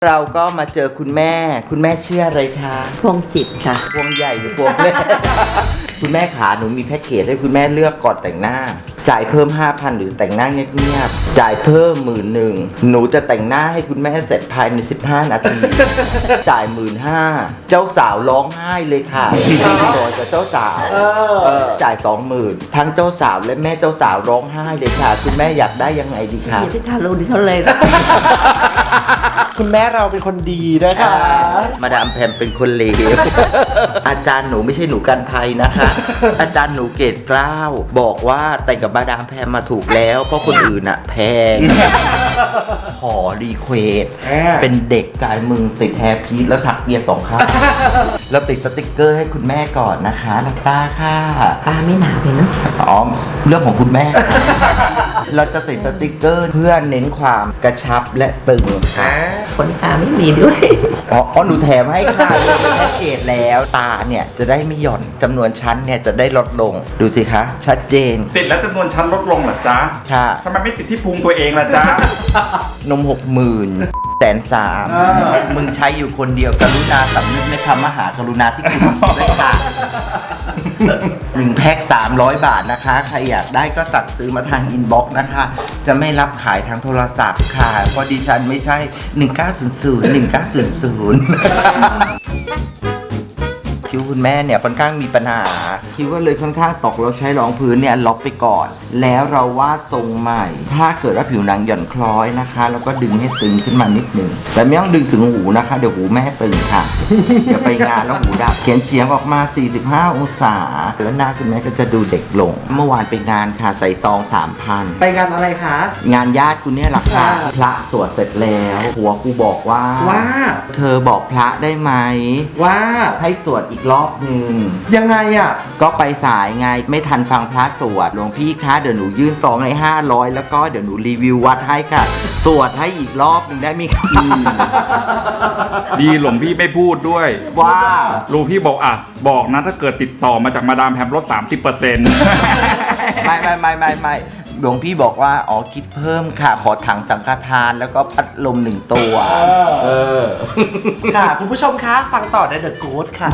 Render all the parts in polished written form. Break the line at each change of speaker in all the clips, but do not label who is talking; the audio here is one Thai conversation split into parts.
เราก็มาเจอคุณแม่ชื่ออะไรคะ
พวงจิตค่ะ
พวงใหญ่หรือพวงเล็ก คุณแม่ขาหนูมีแพ็กเกจให้คุณแม่เลือกก่อนแต่งหน้า จ่ายเพิ่ม 5,000 หรือแต่งหน้าเงียบๆจ่ายเพิ่ม11,000หนูจะแต่งหน้าให้คุณแม่เสร็จภายใน15 นาที จ่าย15,000เจ้าสาวร้องไห้เลยค่ะโดยกับเจ้าสาวจ่าย 20,000ทั้งเจ้าสาวและแม่เจ้าสาวร้องไห้เลยค่ะคุณแม่อยากได้ยังไงดีคะ
อย่าที่ทารุณเขาเลย
คุณแม่เราเป็นคนดีนะคะ
มาดามแพมเป็นคนเลว อาจารย์หนูไม่ใช่หนูกันภัยนะคะ อาจารย์หนูเกรดเกล้าบอกว่าแต่งกับมาดามแพมมาถูกแล้ว เพราะคนอื่นอะแพง ขอรีเควสเป็นเด็กกายมึงติดแฮร์พีทแล้วถักเบียร์2 ข้างแล้วติดสติกเกอร์ให้คุณแม่ก่อนนะคะลักตาค่ะ
ตาไม่หนาเลยเนาะ
อ๋อเรื่องของคุณแม่ เราจะติดสติกเกอร์เพื่อเน้นความกระชับและตึงค่ะ
ขนตาไม่มีด้วย
อ๋อหนูแถมให้ค่ะแพ็กเกจแล้วตาเนี่ยจะได้ไม่หย่อนจำนวนชั้นเนี่ยจะได้ลดลงดูสิคะชัดเจน
ติดแล้วจำนวนชั้นลดลงเหรอจ๊ะ
ค่ะ
ทำไมไม่ติดที่พุงตัวเองล่ะจ๊ะ
นม 60,000 130,000มึงใช้อยู่คนเดียวกรุณาสำนึกในคำมหากรุณาที่คุณด้วยค่ะ1 แพ็ค300 บาทนะคะ ใครอยากได้ก็สั่งซื้อมาทางอินบ็อกซ์นะคะ จะไม่รับขายทางโทรศัพท์ค่ะ เพราะดิฉันไม่ใช่ 1900 คิ้วคุณแม่เนี่ยค่อนข้างมีปัญหาคิ้วก็เลยค่อนข้างตกเราใช้รองพื้นเนี่ยล็อกไปก่อน แล้วเราวาดทรงใหม่ ถ้าเกิดว่าผิวหนังหย่อนคล้อยนะคะแล้วก็ดึงให้ตึงขึ้นมานิดนึงแต่ไม่ต้องดึงถึงหูนะคะเดี๋ยวหูแม่ตึงค่ะ เดี๋ยวไปงานแล้วหูดับเขียนเฉียงออกมา45 องศาแล้วหน้าคุณแม่ก็จะดูเด็กลง เมื่อวานไปงานค่ะใส่ซอง 3,000
ไปงานอะไรคะ
งานญาติคุณเนี่ยแหละค่ะพระสวดเสร็จแล้วหัวกูบอกว่า เธอบอกพระได้ไหม
ว่า
ให้สวดอีกรอบหนึ่ง
ยังไงอ่ะ
ก็ไปสายไงไม่ทันฟังพระสวดหลวงพี่คะเดี๋ยวหนูยื่นซองให้500แล้วก็เดี๋ยวหนูรีวิววัดให้ค่ะ สวดให้อีกรอบหนึ่งได้ไหมคะ
ดีหลวงพี่ไม่พูดด้วย
ว่า
หลวงพี่บอกอ่ะ บอกนะถ้าเกิดติดต่อมาจากมาดามแพมลด 30%
ไม่หลวงพี่บอกว่าอ๋อคิดเพิ่มค่ะขอถังสังฆทานแล้วก็พัดลม1 ตัว
ค่ะ คุณผู้ชมคะ ฟังต่อในเดอะกู๊ดค่ะ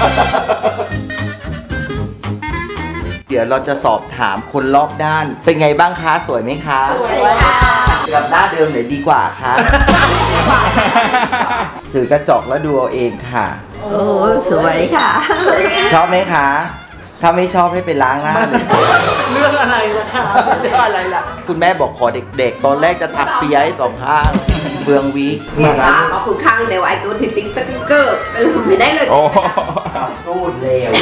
เดี๋ยวเราจะสอบถามคนรอบด้าน เป็นไงบ้างคะสวยไหมคะสวยค่ะกับหน้าเดิมไหนดีกว่าคะ ถือกระจกแล้วดูเอาเองค่ะ
โอ้สวยค่ะ
ชอบไหมคะ ถ้าไม่ชอบให้ไปล้างหน้าเลย
เรื่องอะไรล่ะคะ
เรื่องอะไรล่ะ คุณแม่บอกขอเด็กๆ ตอนแรกจะถักเปียให้2 ข้างเบืองวิก
นี่ค่ะเอาคุณข้างเดี๋ยวไอ้ตัวที่ติ๊กสติ๊กเกอร์ไม่ได้เลย
โอ้
พูดเร็ว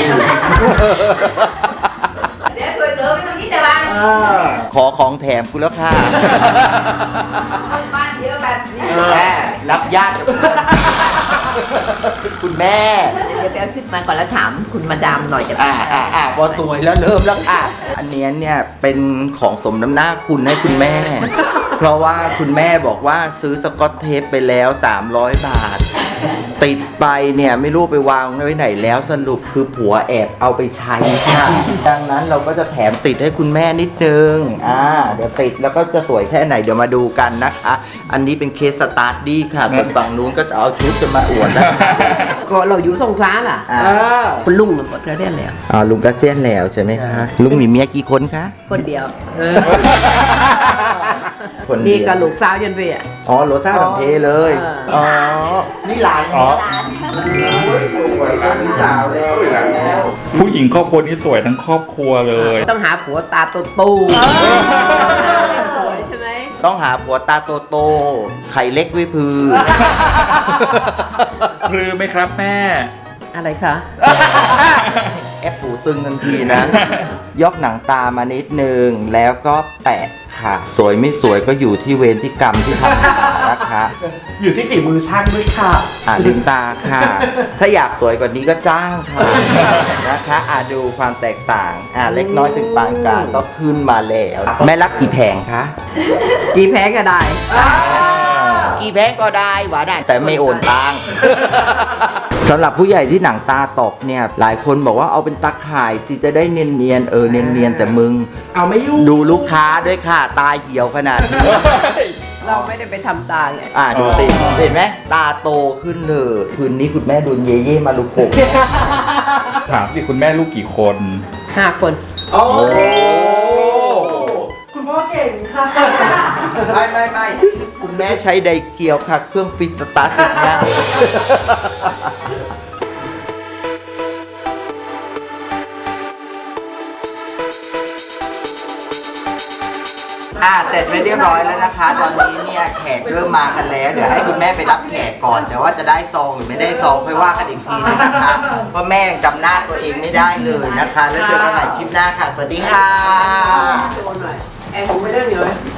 เดี๋ยวตัวเดิมไม่ต้องคิดแต่บ้าง
ขอของแถมกูแล้วค่ะ
บ้านเดียวกัน
แม่รับญาติกับเพื่อนคุณแม่
เดี๋ยวขึ้นมาก่อนแล้วถามคุณมาดามหน่อยจะ
พอสวยแล้วเริ่มแล้วค่ะ อันเนี้ยเนี่ยเป็นของสมน้ำหน้าคุณให้คุณแม่ เพราะว่าคุณแม่บอกว่าซื้อสกอตเทปไปแล้ว300 บาท ติดไปเนี่ยไม่รู้ไปวางไว้ไหนแล้วสรุปคือผัวแอบเอาไปใช้ค่ะ ดังนั้นเราก็จะแถมติดให้คุณแม่นิดนึงเดี๋ยวติดแล้วก็จะสวยแค่ไหนเดี๋ยวมาดูกันนะคะ อันนี้เป็นเคสสตาร์ทดี้ค่ะส่วนฝั่งนู้นก็จะเอาชุดจะมาอวดนะคะ
ก็เราอยู่สงขลาล่ะคุณลุงมันหมดเธอได้แล้ว
ลุงก็เสี้ยนแล้วใช่ไหมคะลุงมีเมียกี่คนคะ
คนเดียว
คน
นี่
เดียว
กับลูกสาวยันเวีย
อ๋อโรซ่าสังเทเลย
อ๋อ
นี่หลาน
อ๋อ
พี่สาวแล้ว
ผู้หญิงครอบครัวนี้สวยทั้งครอบครัวเลย
ต้องหาผัวตาโตสวยใช่ไหม
ต้องหาผัวตาโตๆไข่เล็กวิพือ
พลือไหมครับแม่
อะไรคะ
แอปหูตึงทันทีนะ ยกหนังตามานิดนึง แล้วก็แปะค่ะ สวยไม่สวยก็อยู่ที่เวรที่กรรมที่ทำมานะคะ
อยู่ที่ฝีมือช่างด้วยค่ะ
ลืมตาค่ะ ถ้าอยากสวยกว่านี้ก็จ้างค่ะ นะคะดูความแตกต่าง เล็กน้อยถึงปานกลางก็ขึ้นมาแล้ว แม่รับกี่แผงคะ
กี่แพ้ก็ได้
กี่แผงก็ได้หวานได้แต่ไม่โอนตังค์ สำหรับผู้ใหญ่ที่หนังตาตกเนี่ย หลายคนบอกว่าเอาเป็นตาข่ายสิจะได้เนียนๆเนียนๆแต่มึง
เอาไม่อยู่
ดูลูกค้าด้วยค่ะ ตาเหี่ยวขนาดนี้
เราไม่ได้ไปทำตาไง
ดูสิเห็นไหมตาโตขึ้นเลยคืนนี้คุณแม่โดนเย่เย่มาลุกโก
ถามสิคุณแม่ลูกกี่คน
5 คน
โอ้คุณพ่อเก่งค่ะ
ไม่คุณแม่ใช้ไดเกียวค่ะ เครื่องฟิตสตาร์ทติดง่ายเสร็จไปเรียบร้อยแล้วนะคะ ตอนนี้เนี่ยแขกเริ่มมากันแล้ว เดี๋ยวให้คุณแม่ไปรับแขกก่อน แต่ว่าจะได้ซองหรือไม่ได้ซองค่อยว่ากันอีกทีนึงนะคะ เพราะแม่ยังจำหน้าตัวเองไม่ได้เลยนะคะ แล้วเจอกันใหม่คลิปหน้าค่ะ สวัสดีค่ะ
ตัวหน่อยแอร์ผมไม่ได้เหนียว